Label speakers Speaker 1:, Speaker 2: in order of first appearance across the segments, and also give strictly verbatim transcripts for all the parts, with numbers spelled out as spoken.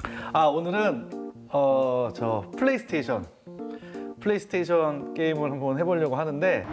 Speaker 1: 아 오늘은 어 저 플레이스테이션 플레이스테이션 게임을 한번 해보려고 하는데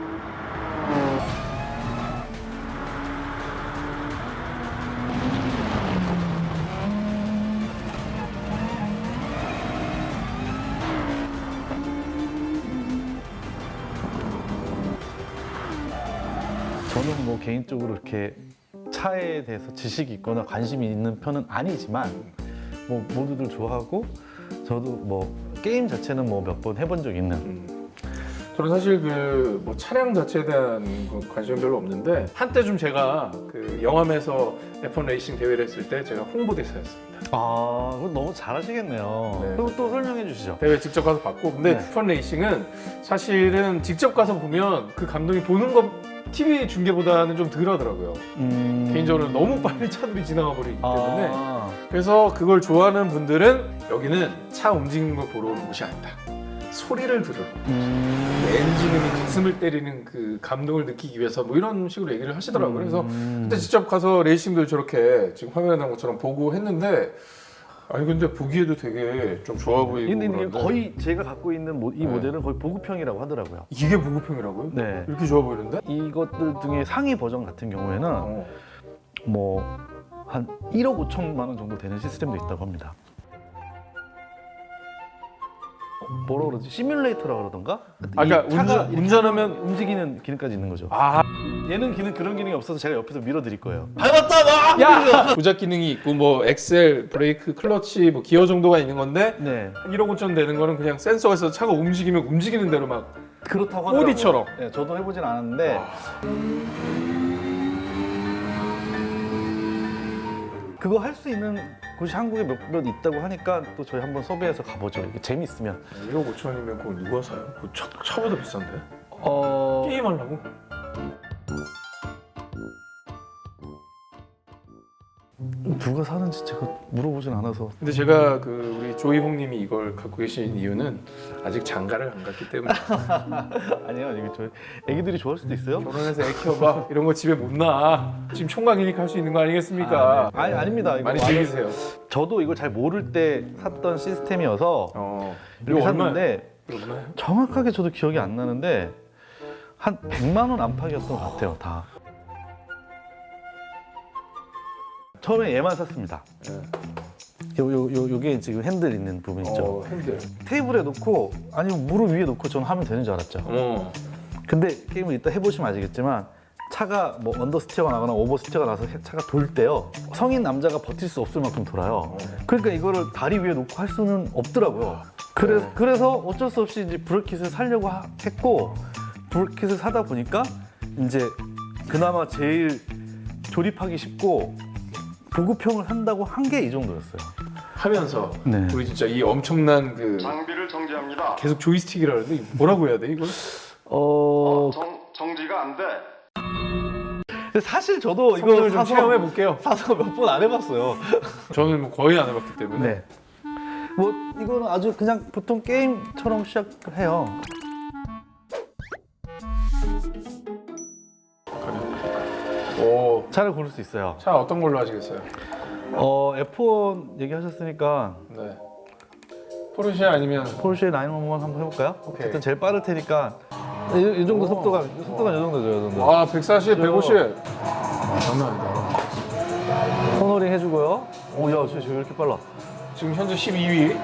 Speaker 1: 저는 뭐 개인적으로 이렇게 차에 대해서 지식이 있거나 관심이 있는 편은 아니지만 뭐 모두들 좋아하고 저도 뭐 게임 자체는 뭐 몇 번 해본 적 있는
Speaker 2: 음. 저는 사실 그 뭐 차량 자체에 대한 그 관심은 별로 없는데 한때 좀 제가 그 영암에서 에프원 레이싱 대회를 했을 때 제가 홍보대사였습니다.
Speaker 1: 아, 그거 너무 잘하시겠네요.
Speaker 2: 네.
Speaker 1: 그럼 또 설명해 주시죠.
Speaker 2: 대회 직접 가서 봤고 근데
Speaker 1: 네.
Speaker 2: 에프원 레이싱은 사실은 직접 가서 보면 그 감동이 보는 것 티비 중계보다는 좀 덜하더라고요.
Speaker 1: 음...
Speaker 2: 개인적으로 너무 빨리 차들이 지나가 버리기 때문에
Speaker 1: 아...
Speaker 2: 그래서 그걸 좋아하는 분들은 여기는 차 움직이는 걸 보러 오는 곳이 아니다. 소리를 들으러
Speaker 1: 음...
Speaker 2: 엔진음이 가슴을 때리는 그 감동을 느끼기 위해서 뭐 이런 식으로 얘기를 하시더라고요. 그래서
Speaker 1: 음...
Speaker 2: 그때 직접 가서 레이싱도 저렇게 지금 화면에 나온 것처럼 보고 했는데 아니 근데 보기에도 되게 좀 좋아 보이고
Speaker 1: 근데 이게
Speaker 2: 그런데
Speaker 1: 거의 제가 갖고 있는 모, 이
Speaker 2: 네.
Speaker 1: 모델은 거의 보급형이라고 하더라고요.
Speaker 2: 이게 보급형이라고요?
Speaker 1: 네.
Speaker 2: 이렇게 좋아 보이는데?
Speaker 1: 이것들 중에 상위 버전 같은 경우에는
Speaker 2: 어.
Speaker 1: 뭐 한 일억 오천만 원 정도 되는 시스템도 있다고 합니다. 뭐라 그러지? 시뮬레이터라 그러던가?
Speaker 2: 아,
Speaker 1: 이
Speaker 2: 그러니까
Speaker 1: 차가
Speaker 2: 운전, 운전하면
Speaker 1: 움직이는 기능까지 있는 거죠.
Speaker 2: 아
Speaker 1: 얘는 기능 그런 기능이 없어서 제가 옆에서 밀어드릴 거예요. 밟았다 나!
Speaker 2: 야! 조작 기능이 있고 뭐 엑셀, 브레이크, 클러치, 뭐 기어 정도가 있는 건데
Speaker 1: 네,
Speaker 2: 일억 오천 되는 거는 그냥 센서가 있어서 차가 움직이면 움직이는 대로 막
Speaker 1: 그렇다고 하더라고요.
Speaker 2: 오디처럼.
Speaker 1: 네, 저도 해보진 않았는데 그거 할 수 있는 곳이 한국에 몇몇 있다고 하니까 또 저희 한번 섭외해서 가보죠. 이게 재밌으면.
Speaker 2: 일억 오천이면 그거 누가 사요? 그거 차, 차보다 비싼데?
Speaker 1: 어...
Speaker 2: 게임하려고?
Speaker 1: 누가 사는지 제가 물어보진 않아서.
Speaker 2: 근데 제가 그 우리 조이홍님이 이걸 갖고 계신 이유는 아직 장가를 안 갔기 때문에
Speaker 1: 아니요, 이게 저희 애기들이 좋아할 수도 있어요.
Speaker 2: 결혼해서 애 키워봐 이런 거 집에 못 놔. 지금 총각이니까 할 수 있는 거 아니겠습니까?
Speaker 1: 아, 네. 아니 아닙니다. 이거
Speaker 2: 많이
Speaker 1: 완전-
Speaker 2: 즐기세요.
Speaker 1: 저도 이걸 잘 모를 때 샀던 시스템이어서
Speaker 2: 어.
Speaker 1: 이렇게
Speaker 2: 이거 얼마예요?
Speaker 1: 샀는데
Speaker 2: 이거 얼마예요?
Speaker 1: 정확하게 저도 기억이 안 나는데 한 백만 원 안팎이었던 것 같아요, 다. 처음에 얘만 샀습니다.
Speaker 2: 네.
Speaker 1: 요, 요, 요, 요게 지금 핸들 있는 부분 있죠.
Speaker 2: 어, 핸들.
Speaker 1: 테이블에 놓고 아니면 무릎 위에 놓고 저는 하면 되는 줄 알았죠.
Speaker 2: 어.
Speaker 1: 근데 게임을 이따 해보시면 아시겠지만 차가 뭐 언더스티어가 나거나 오버스티어가 나서 차가 돌 때요. 성인 남자가 버틸 수 없을 만큼 돌아요. 그러니까 이거를 다리 위에 놓고 할 수는 없더라고요. 그래서,
Speaker 2: 네.
Speaker 1: 그래서 어쩔 수 없이 이제 브레이킷을 사려고 하- 했고 브레이킷을 사다 보니까 이제 그나마 제일 조립하기 쉽고 보급형을 한다고 한 게 이 정도였어요.
Speaker 2: 하면서
Speaker 1: 네.
Speaker 2: 우리 진짜 이 엄청난 그
Speaker 3: 장비를 정지합니다.
Speaker 2: 계속 조이스틱이라 그러는데 뭐라고 해야 돼 이걸?
Speaker 1: 어,
Speaker 3: 어, 정, 정지가 안 돼.
Speaker 1: 근데 사실 저도 이거
Speaker 2: 성능을 좀
Speaker 1: 사서
Speaker 2: 체험해 볼게요.
Speaker 1: 사서 몇 번 안 해봤어요.
Speaker 2: 저는 뭐 거의 안 해봤기 때문에.
Speaker 1: 네. 뭐 이거는 아주 그냥 보통 게임처럼 시작해요.
Speaker 2: 오.
Speaker 1: 차를 고를 수 있어요.
Speaker 2: 차 어떤 걸로 하시겠어요?
Speaker 1: 어, 에프원 얘기하셨으니까
Speaker 2: 네. 포르쉐 아니면
Speaker 1: 포르쉐 나인일일 한번 해볼까요?
Speaker 2: 오케이.
Speaker 1: 어쨌든 제일 빠를 테니까 이, 이 정도
Speaker 2: 오.
Speaker 1: 속도가 속도가 이 정도죠, 이 정도.
Speaker 2: 아 백사십, 백오십. 아 장난 아니다.
Speaker 1: 코너링 해주고요. 오, 야, 저, 저 왜 이렇게 빨라?
Speaker 2: 지금 현재 십이 위.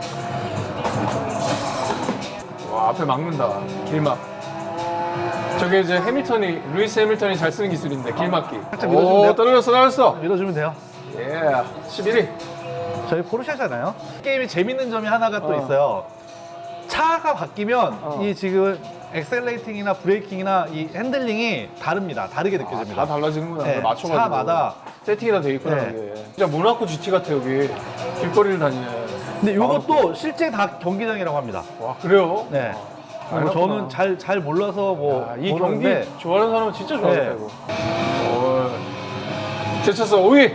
Speaker 2: 와 앞에 막는다. 길막. 저게 이제 해밀턴이 루이스 해밀턴이 잘 쓰는 기술인데 길막기.
Speaker 1: 살짝 밀어주면 돼요?
Speaker 2: 오 떨어졌어 떨어졌어.
Speaker 1: 밀어주면 돼요.
Speaker 2: 예. 십일 위.
Speaker 1: 저희 포르쉐잖아요. 게임이 재밌는 점이 하나가 또
Speaker 2: 어.
Speaker 1: 있어요. 차가 바뀌면
Speaker 2: 어.
Speaker 1: 이 지금 엑셀레이팅이나 브레이킹이나 이 핸들링이 다릅니다. 다르게 느껴집니다.
Speaker 2: 다 달라지는구나.
Speaker 1: 네,
Speaker 2: 맞춰가지고.
Speaker 1: 차마다.
Speaker 2: 세팅이 다 돼 있구나.
Speaker 1: 네.
Speaker 2: 이게. 진짜 모나코 지티 같아 여기. 길거리를 다니네.
Speaker 1: 근데 이것도 실제 다 경기장이라고 합니다.
Speaker 2: 와 그래요?
Speaker 1: 네.
Speaker 2: 아,
Speaker 1: 뭐
Speaker 2: 그렇구나.
Speaker 1: 저는 잘 잘 몰라서 뭐
Speaker 2: 야, 이
Speaker 1: 모르는데
Speaker 2: 경기 좋아하는 사람은 진짜 좋아하겠다
Speaker 1: 네.
Speaker 2: 이거. 제쳤어 오 위.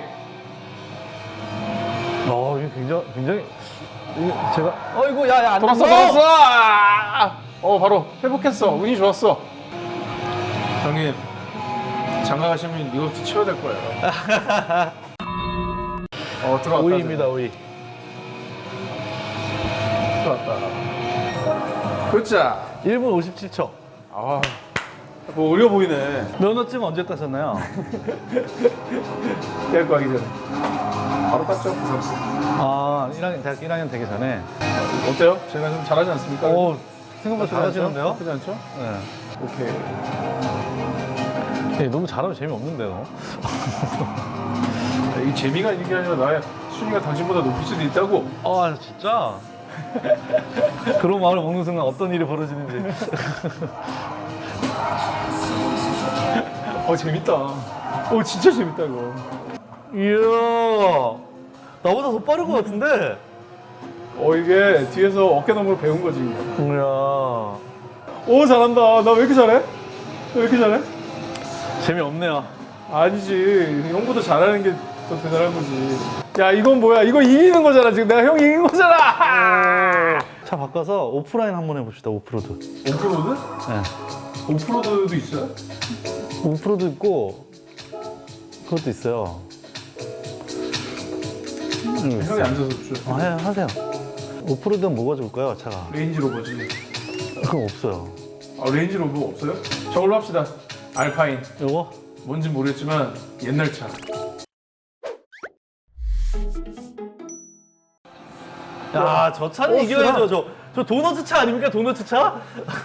Speaker 1: 어, 이거 굉장히 굉장히 이거 제가 어이구 야야 안
Speaker 2: 돌았어
Speaker 1: 됐어!
Speaker 2: 돌았어. 아! 어 바로 회복했어. 운이 좋았어. 형님 장가 가시면 이것도 치워야 될 거예요. 어 들어왔다.
Speaker 1: 오 위입니다, 오 위.
Speaker 2: 왔다. 그자.
Speaker 1: 일 분 오십칠 초.
Speaker 2: 아, 뭐 어려 보이네.
Speaker 1: 면허증 언제 따셨나요?
Speaker 2: 대학교 가기 전에. 바로 땄죠.
Speaker 1: 아, 일 학년, 대학 일 학년 되기 전에.
Speaker 2: 어때요? 제가 좀 잘하지 않습니까?
Speaker 1: 오, 생각보다 잘하시는데요?
Speaker 2: 나쁘지 않죠?
Speaker 1: 네.
Speaker 2: 오케이.
Speaker 1: 예, 너무 잘하면 재미없는데요.
Speaker 2: 이 재미가 있는 게 아니라 나의 순위가 당신보다 높을 수도 있다고.
Speaker 1: 아, 진짜? 그런 마음을 먹는 순간 어떤 일이 벌어지는지.
Speaker 2: 어 재밌다. 어 진짜 재밌다 이거.
Speaker 1: 이야, 나보다 더 빠른 것 같은데?
Speaker 2: 어 이게 뒤에서 어깨너머로 배운 거지.
Speaker 1: 이야.
Speaker 2: 오 잘한다. 나 왜 이렇게 잘해? 나 왜 이렇게 잘해?
Speaker 1: 재미없네요.
Speaker 2: 아니지. 형보다 잘하는 게 더 대단한 거지. 야 이건 뭐야? 이거 이기는 거잖아. 지금 내가 형 이긴 거잖아.
Speaker 1: 차 바꿔서 오프라인 한번 해봅시다, 오프로드.
Speaker 2: 오프로드?
Speaker 1: 네.
Speaker 2: 오프로드도 있어요?
Speaker 1: 오프로드 있고, 그것도 있어요. 음,
Speaker 2: 형이 앉아서 줘.
Speaker 1: 아, 해, 하세요. 오프로드는 뭐가 좋을까요, 차가?
Speaker 2: 레인지로버지.
Speaker 1: 그건 없어요.
Speaker 2: 아 레인지로버 없어요? 저걸로 합시다. 알파인.
Speaker 1: 요거?
Speaker 2: 뭔지 모르겠지만 옛날 차.
Speaker 1: 야, 저 차는
Speaker 2: 어,
Speaker 1: 이겨야죠. 저, 저 도너츠 차 아닙니까? 도너츠 차?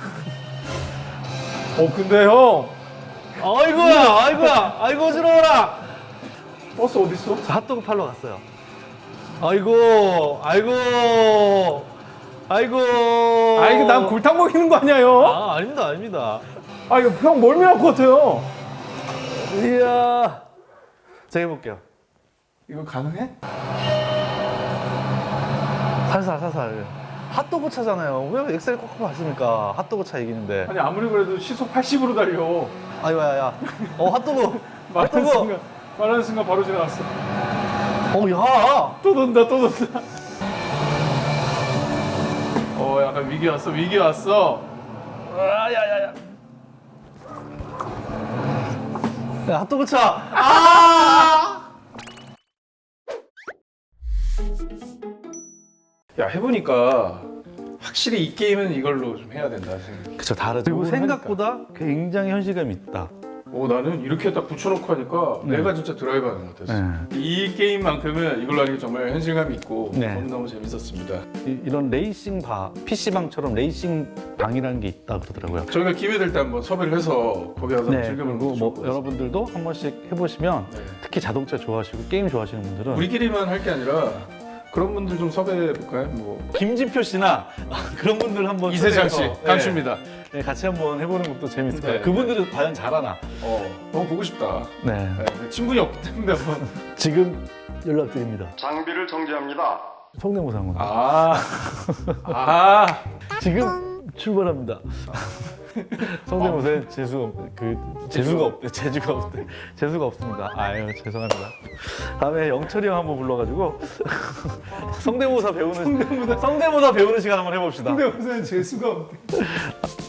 Speaker 2: 어 근데 형
Speaker 1: 아이고야, 아이고야, 아이고 어지러워라.
Speaker 2: 버스 어디 있어?
Speaker 1: 저 핫도그 팔러 갔어요. 아이고, 아이고, 아이고.
Speaker 2: 아 이거 난 골탕 먹이는 거 아니야 형?
Speaker 1: 아, 아닙니다, 아닙니다.
Speaker 2: 아 이거 형 멀미날 것 같아요.
Speaker 1: 이야. 제가 해볼게요.
Speaker 2: 이거 가능해?
Speaker 1: 살살, 살살. 핫도그 차잖아요. 왜 엑셀 꽉꽉 하십니까? 핫도그 차 이기는데.
Speaker 2: 아니 아무리 그래도 시속 팔십으로 달려.
Speaker 1: 아이고야, 야. 어, 핫도그.
Speaker 2: 말하는
Speaker 1: 핫도그.
Speaker 2: 순간 말하는 순간 바로 지나갔어.
Speaker 1: 어, 야.
Speaker 2: 또 돈다 또 돈다. 어 약간 위기 왔어 위기 왔어.
Speaker 1: 아, 야, 야, 야. 야, 핫도그 차. 아!
Speaker 2: 야 해보니까 확실히 이 게임은 이걸로 좀 해야 된다 생각.
Speaker 1: 그쵸, 다르죠. 그리고
Speaker 2: 요걸
Speaker 1: 생각보다 굉장히 현실감이 있다.
Speaker 2: 오 나는 이렇게 딱 붙여놓고 하니까
Speaker 1: 네.
Speaker 2: 내가 진짜 드라이브하는 것 같았어.
Speaker 1: 네.
Speaker 2: 이 게임만큼은 이걸로 하니까 정말 현실감이 있고
Speaker 1: 네.
Speaker 2: 너무너무 재밌었습니다.
Speaker 1: 이, 이런 레이싱 바, 피시방처럼 레이싱 방이라는 게 있다 그러더라고요.
Speaker 2: 저희가 기회 될 때 한번 섭외를 해서 거기 가서
Speaker 1: 네,
Speaker 2: 즐겨보는
Speaker 1: 그리고
Speaker 2: 것도
Speaker 1: 뭐
Speaker 2: 좋을 것 같습니다.
Speaker 1: 여러분들도 한 번씩 해보시면
Speaker 2: 네.
Speaker 1: 특히 자동차 좋아하시고 게임 좋아하시는 분들은
Speaker 2: 우리끼리만 할 게 아니라 그런 분들 좀 섭외해 볼까요? 뭐
Speaker 1: 김진표 씨나 그런 분들 한번
Speaker 2: 이세장 씨,
Speaker 1: 초대해서,
Speaker 2: 강추입니다.
Speaker 1: 네, 네, 같이 한번 해보는 것도 재밌을 거예요.
Speaker 2: 네.
Speaker 1: 그분들은 과연 잘하나?
Speaker 2: 어, 너무 보고 싶다.
Speaker 1: 네,
Speaker 2: 네, 친분이 없기 때문에 한번.
Speaker 1: 지금 연락드립니다.
Speaker 3: 장비를 정지합니다.
Speaker 1: 성대모사 한 건.
Speaker 2: 아, 아,
Speaker 1: 지금 출발합니다. 성대모사에 재수가 없, 그 재수가 없대, 재주가 없대, 재수가 없습니다. 아유 죄송합니다. 다음에 영철이 형 한번 불러가지고 성대모사 배우는 성대모사, 성대모사 배우는 시간 한번 해봅시다.
Speaker 2: 근데 무슨 재수가 없대.